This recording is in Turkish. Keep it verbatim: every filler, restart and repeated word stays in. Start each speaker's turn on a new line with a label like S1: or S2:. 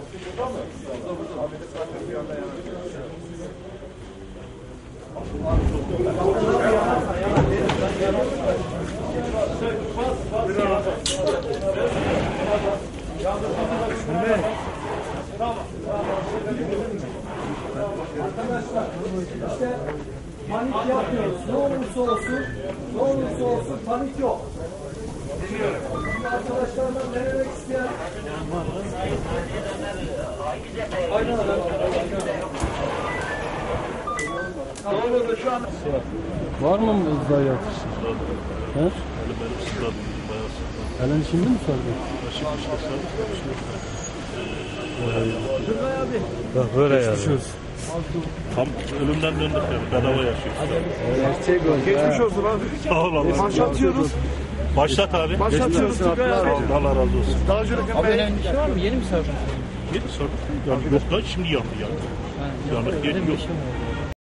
S1: Arkadaşlar işte panik yapmıyoruz. Ne olursa olsun, ne olursa olsun panik yok. Şimdi arkadaşlardan denemek isteyen aynen öyle. Doğru da şu an
S2: var mı ızda yatışı? He?
S3: Elim elim sıkladım. Bayağı sıkladım.
S2: Elin şimdi mi sardı?
S3: Başım işte sardım.
S2: Bak böyle yani.
S3: Tam ölümden döndük yani. Bedava yaşıyoruz.
S2: Gerçek oldu.
S4: Geçmiş olsun abi.
S3: Sağ ol Allah.
S4: Başlatıyoruz.
S3: Başlat abi.
S4: Başlatıyoruz.
S3: Sağ ol, Allah razı olsun.
S4: Daha önce de
S5: Abi önemli bir şey var mı? Yeni mi sordun?
S3: Yeni sorduk. Yani yok da şimdi yandı yani. Yanık yeni yok.